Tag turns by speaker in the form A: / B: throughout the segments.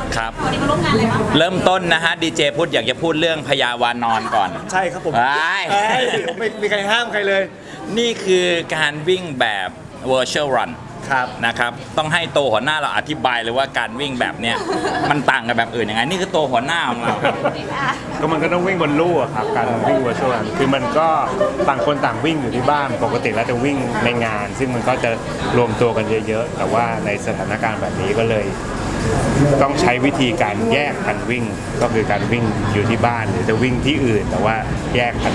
A: ครับวันนี้มาร่วมงานอะไรบ้างเริ่มต้นนะฮะดีเจพุทธอยากจะพูดเรื่องพญาวานอนก่อน
B: ใช่ครับผมไม่มีใครห้ามใครเลย
A: นี่คือการวิ่งแบบ virtual run
B: ครับ
A: นะครับต้องให้โตหัวหน้าเราอธิบายเลยว่าการวิ่งแบบเนี้ยมันต่างกับแบบอื่นยังไงนี่คือโตหัวหน้าของเรา
C: ก็มันก็ต้องวิ่งบนลู่ครับการวิ่งเวอร์ชวลคือมันก็ต่างคนต่างวิ่งอยู่ที่บ้านปกติแล้วจะวิ่งในงาน ซึ่งมันก็จะรวมตัวกันเยอะๆแต่ว่าในสถานการณ์แบบนี้ก็เลยต้องใช้วิธีการแยกกันวิ่งก็คือการวิ่งอยู่ที่บ้านหรือจะวิ่งที่อื่นแต่ว่าแยกกัน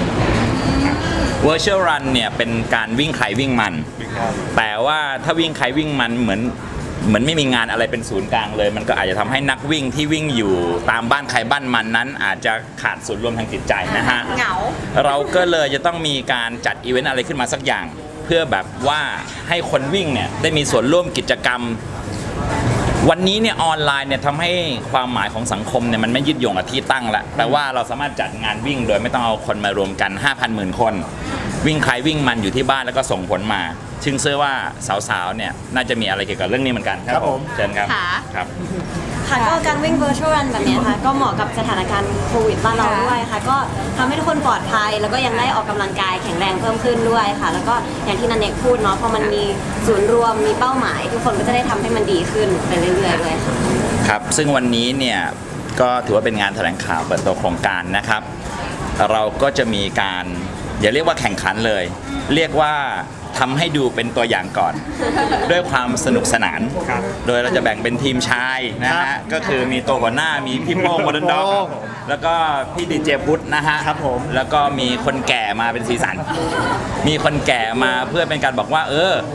A: Virtual Run เนี่ยเป็นการวิ่งใครวิ่งมันแต่ว่าถ้าวิ่งใครวิ่งมันเหมือนไม่มีงานอะไรเป็นศูนย์กลางเลยมันก็อาจจะทำให้นักวิ่งที่วิ่งอยู่ตามบ้านใครบ้านมันนั้นอาจจะขาดศูนย์รวมทางจิตใจนะฮะ
D: เหงา
A: เราก็เลยจะต้องมีการจัดอีเวนต์อะไรขึ้นมาสักอย่างเพื่อแบบว่าให้คนวิ่งเนี่ยได้มีส่วนร่วมกิจกรรมวันนี้เนี่ยออนไลน์เนี่ยทำให้ความหมายของสังคมเนี่ยมันไม่ยึดโยงกับที่ตั้งละแต่ว่าเราสามารถจัดงานวิ่งโดยไม่ต้องเอาคนมารวมกัน 5,000 หมื่นคนวิ่งใครวิ่งมันอยู่ที่บ้านแล้วก็ส่งผลมาซึ่งเชื่อว่าสาวๆเนี่ยน่าจะมีอะไรเกี่ยวกับเรื่องนี้เหมือนกันครับผมเชิญครับครับ
D: ค่ะก็การวิ่ง virtual run แบบนี้ค่ะก็เหมาะกับสถานการณ์โควิดบ้านเราด้วยค่ะก็ทำให้ทุกคนปลอดภัยแล้วก็ยังได้ออกกำลังกายแข็งแรงเพิ่มขึ้นด้วยค่ะแล้วก็อย่างที่นันเนกพูดเนาะพอมันมีศูนย์รวมมีเป้าหมายทุกคนก็จะได้ทำให้มันดีขึ้นไปเรื่อยๆด้วยค่ะ
A: ครับซึ่งวันนี้เนี่ยก็ถือว่าเป็นงานแถลงข่าวเปิดตัวโครงการนะครับเราก็จะมีการอย่าเรียกว่าแข่งขันเลยเรียกว่าทำให้ดูเป็นตัวอย่างก่อนด้วยความสนุกสนานโดยเราจะแบ่งเป็นทีมชายนะฮะก็คือมีตัวหัวหน้ามีพี่โป้งโมเดิร์นด็อกแล้วก็พี่ดีเจพุทธนะฮะ
B: ครับผม
A: แล้วก็มีคนแก่มาเป็นสีสันมีคนแก่มาเพื่อเป็นการบอกว่า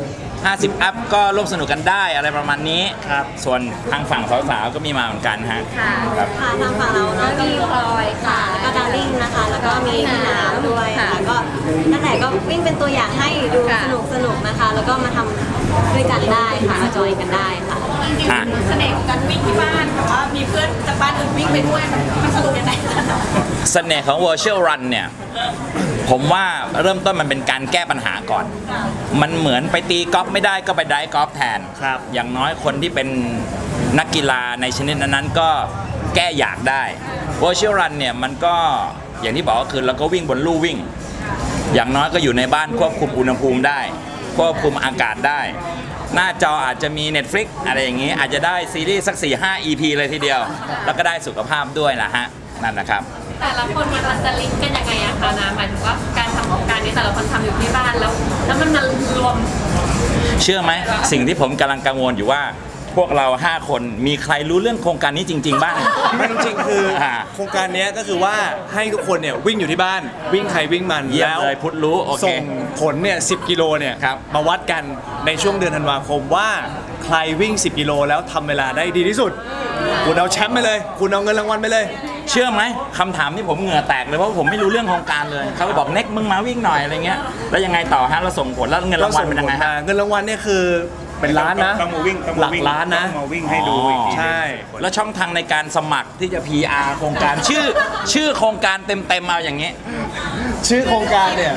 A: 50 อัพก็ร่วมสนุกกันได้อะไรประมาณนี้
B: ครับ
A: ส่วนทางฝั่งสาวๆก็มีมาเหมือนกันฮะ
D: ค่ะทางฝั่งเราเนาะก็มีพลอยค่ะแล้วก็ดาริ่งนะคะแล้วก็มีพี่น้ำด้วยค่ะก็นั่นแหละก็วิ่งเป็นตัวอย่างให้ดูสนุกนะคะแล้วก็มาทำด้วยกันได้ค่ะมาจอยกันได้ค่ะ
E: จริงๆเสน่ห์ของการวิ่งที่บ้านแต่ว่ามีเพื่อนจากบ้านอื่นวิ่งไปด้วยมันสนุกยังไง
A: เสน่ห์ของ virtual run เนี่ยผมว่าเริ่มต้นมันเป็นการแก้ปัญหาก่อนมันเหมือนไปตีกอล์ฟไม่ได้ก็ไปไดฟ์กอล์ฟแทนอย่างน้อยคนที่เป็นนักกีฬาในชนิดนั้นก็แก้อยากได้ virtual run เนี่ยมันก็อย่างที่บอกก็คือเราก็วิ่งบนลู่วิ่งอย่างน้อยก็อยู่ในบ้านควบคุมอุณหภูมิได้ควบคุมอากาศได้หน้าจออาจจะมี Netflix อะไรอย่างนี้อาจจะได้ซีรีส์สัก 4-5 EP เลยทีเดียวแล้วก็ได้สุขภาพด้วยนะฮะนั่นนะครับ
E: แต่ละคนมันจะลิงก์กันยังไงอะคะนะหมายถึงว่าการทำของการนี้แต่ละคนทำอยู่ที่บ้านแล้วมันมารวม
A: เชื่อไหมสิ่งที่ผมกำลังกังวลอยู่ว่าพวกเรา5คนมีใครรู้เรื่องโครงการนี้จริงๆบ้าง
B: ไม่จริงๆคือโครงการนี้ก็คือว่าให้ทุกคนเนี่ยวิ่งอยู่ที่บ้านวิ่งใครวิ่งมัน
A: แล้วพุทธรู้
B: ส่งผลเนี่ย10 กิโลเนี่ยมาวัดกันในช่วงเดือนธันวาคมว่าใครวิ่ง10 กิโลแล้วทำเวลาได้ดีที่สุดคุณเอาแชมป์ไปเลยคุณเอาเงินรางวัลไปเลย
A: เชื่อไหมคำถามที่ผมเหงื่อแตกเลยเพราะผมไม่รู้เรื่องโครงการเลยเขาก็บอกเน็กมึงมาวิ่งหน่อยอะไรเงี้ยแล้วยังไงต่อฮะเราส่งผลแล้วเงินรางวัลเป็นยังไงฮะ
B: เงินรางวัลเนี่ยคือเป็นล้านนะ
C: ต้องมาวิ่ง
B: หลักล้านนะ
C: มาวิ่งให้ดู
B: ใช่
A: แล้วช่องทางในการสมัครที่จะ PR โครงการชื่อโครงการเต็มเอาอย่างเงี้ย
B: ชื่อโครงการเนี่ย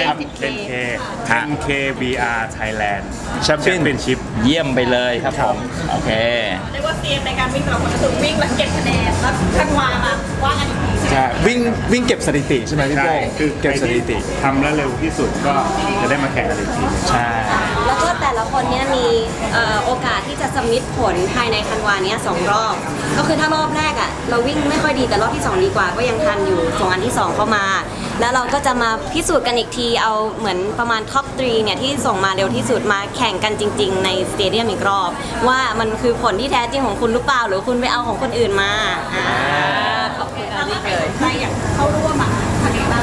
C: 10K VR Thailand Championship
A: เยี่ยมไปเลยครับผมโอเค
E: เรียกว่าเตรียมในการวิ่งเราคนละสุดวิ่งแล้วเก็บคะแนนแล้วทันวามาว่ากันอีกที
B: ใช่วิ่งเก็บสถิติใช่ไหมพี่โป้
C: คือ
B: เก็บสถิติ
C: ทำแล้วเร็วที่สุดก็จะได้มาแข่งกันอีกที
B: ใช่
D: แล้วก็แต่ละคนเนี่ยมีโอกาสที่จะสมิทผลภายในธันวาเนี้ย2 รอบก็คือถ้ารอบแรกอ่ะเราวิ่งไม่ค่อยดีแต่รอบที่2ดีกว่าก็ยังทันอยู่ส่งอันที่2เข้ามาแล้วเราก็จะมาพิสูจน์กันอีกทีเอาเหมือนประมาณท็อป3เนี่ยที่ส่งมาเร็วที่สุดมาแข่งกันจริงๆในสเตเดียมอีกรอบว่ามันคือผลที่แท้จริงของคุณหรือเปล่าหรือคุณไปเอาของคนอื่นมา
E: ขอบคุณที่เลยใครอยากเข้าร่วมอ่ะทำยังไงบ้าง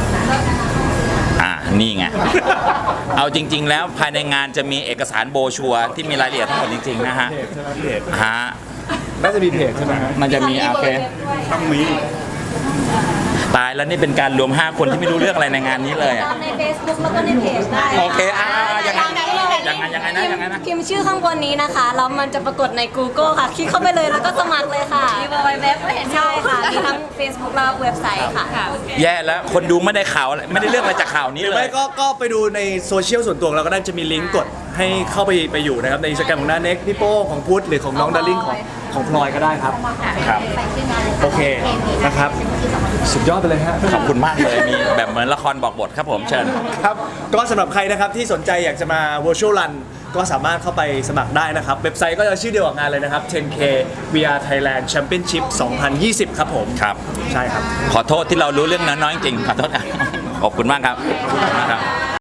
A: นี่ไงเอาจริงๆแล้วภายในงานจะมีเอกสารโบชัวที่มีรายละเอียดทั้งหมดจริงๆนะฮะฮะ
B: น่าจะมีเพจใช่ไหม
A: มันจะมีโอเค
C: ต้องมี
A: ตายแล้วนี่เป็นการรวม5 คนที่ไม่รู้เรื่องอะไรในงานนี้เลย
D: ใน Facebook แล้วก็ในเพจได้
A: โอเคอย่างนั้นยังไงนะยังไงนะ
D: พิมพ์ชื่อข้างบนนี้นะคะแล้วมันจะปรากฏใน Google ค่ะคลิกเข้าไปเลยแล้วก็สมัครเลยค่ะ
E: มีเว็บก็เห็น
D: ใช่ค่ะมีทั้ง Facebook และเว็บไซต์ค่ะ
A: แย่แล้วคนดูไม่ได้ข่าวอะไรไม่ได้เรื่องอะไรจากข่าวนี้
B: หรือ
A: เล
B: ไม่
A: ย
B: ก็ไปดูในโซเชียลส่วนตัวของเราก็ได้จะมีลิงก์กดให้เข้าไปอยู่นะครับในอินสตาแกรมของน้าเน็กพี่โป้ของพุทธหรือของน้องดาริ่งของพลอยก็ได้ครับ
A: ครับ
B: โอเคนะครับ สุดยอดไปเลยฮะ
A: ขอบคุณมากเลยมีแบบเหมือนละครบอกบทครับผมเชิญ
B: ครับก็สำหรับใครนะครับที่สนใจอยากจะมา Virtual Run ก็สามารถเข้าไปสมัครได้นะครับ เว็บไซต์ก็จะชื่อเดียวกับงานเลยนะครับ 10K VR Thailand Championship 2020 ครับผม
A: ครับ
B: ใช่ครับ
A: ขอโทษที่เรารู้เรื่องน้อยๆจริงๆขอโทษครับขอบคุณมากครับ